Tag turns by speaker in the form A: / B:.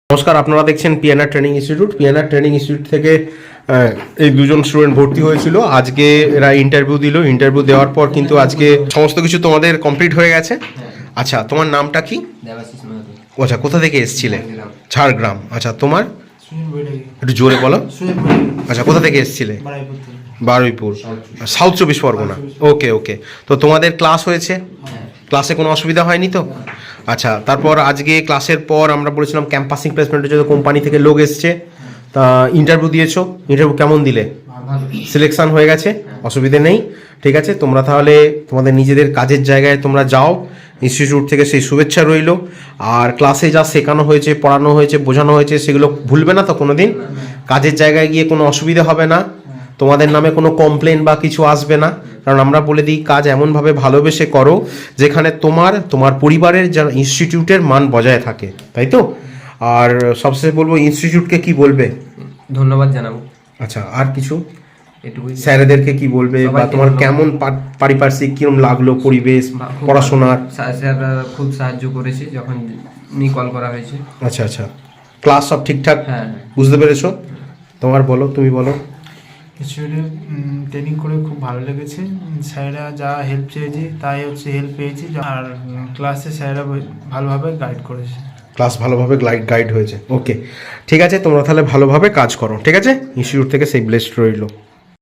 A: নমস্কার, আপনারা দেখছেন PNR training institute. PNR training institute থেকে এই দুজন স্টুডেন্ট ভর্তি হয়েছিল। আজকে এরা ইন্টারভিউ দিল। ইন্টারভিউ দেওয়ার পর কিন্তু আজকে সমস্ত কিছু তোমাদের কমপ্লিট হয়ে গেছে। আচ্ছা, তোমার নামটা কি? আচ্ছা, কোথা থেকে এসেছিলে? ঝাড়গ্রাম। আচ্ছা, তোমার একটু জোরে বলো। আচ্ছা, কোথা থেকে এসেছিলে? Baruipur, south 24 Pargana. Okay okay. তো তোমাদের ক্লাস হয়েছে? ক্লাসে কোনো অসুবিধা হয়নি তো? আচ্ছা, তারপর আজকে ক্লাসের পর আমরা বলেছিলাম ক্যাম্পাসিং প্লেসমেন্টের জন্য কোম্পানি থেকে লোক এসছে। তা ইন্টারভিউ দিয়েছো, ইন্টারভিউ কেমন দিলে? সিলেকশন হয়ে গেছে, অসুবিধে নেই। ঠিক আছে, তোমরা তাহলে তোমাদের নিজেদের কাজের জায়গায় তোমরা যাও। ইনস্টিটিউট থেকে সেই শুভেচ্ছা রইল। আর ক্লাসে যা শেখানো হয়েছে, পড়ানো হয়েছে, বোঝানো হয়েছে, সেগুলো ভুলবে না তো কোনো দিন। কাজের জায়গায় গিয়ে কোনো অসুবিধা হবে না, তোমাদের নামে কোনো কমপ্লেন বা কিছু আসবে না। কারণ আমরা বলে দিই, কাজ এমনভাবে ভালোবেসে করো যেখানে তোমার পরিবারের যারা ইনস্টিটিউটের মান বজায় থাকে, তাই তো? আর সবশেষে বলবো, ইনস্টিটিউটকে কি বলবে?
B: ধন্যবাদ জানাবো।
A: আচ্ছা, আর কিছু
B: এটুকুই।
A: স্যারেদেরকে কি বলবে, বা তোমার কেমন পারিপার্শ্বিক কিরম লাগলো পরিবেশ পড়াশোনার?
B: স্যাররা খুব সাহায্য করেছে যখন কল করা হয়েছে।
A: আচ্ছা আচ্ছা, ক্লাস সব ঠিকঠাক
B: হ্যাঁ
A: বুঝতে পেরেছো? তোমার বলো, তুমি বলো।
C: ইনস্টিটিউটে ট্রেনিং করে খুব ভালো লেগেছে। স্যারেরা যা হেল্প চেয়েছি তাই হেল্প পেয়েছি। আর ক্লাসে স্যারেরা ভালোভাবে গাইড করেছে।
A: ক্লাস ভালোভাবে গাইড হয়েছে। ওকে, ঠিক আছে, তোমরা তাহলে ভালোভাবে কাজ করো। ঠিক আছে, ইনস্টিটিউট থেকে সেই ব্লেসড রইলো।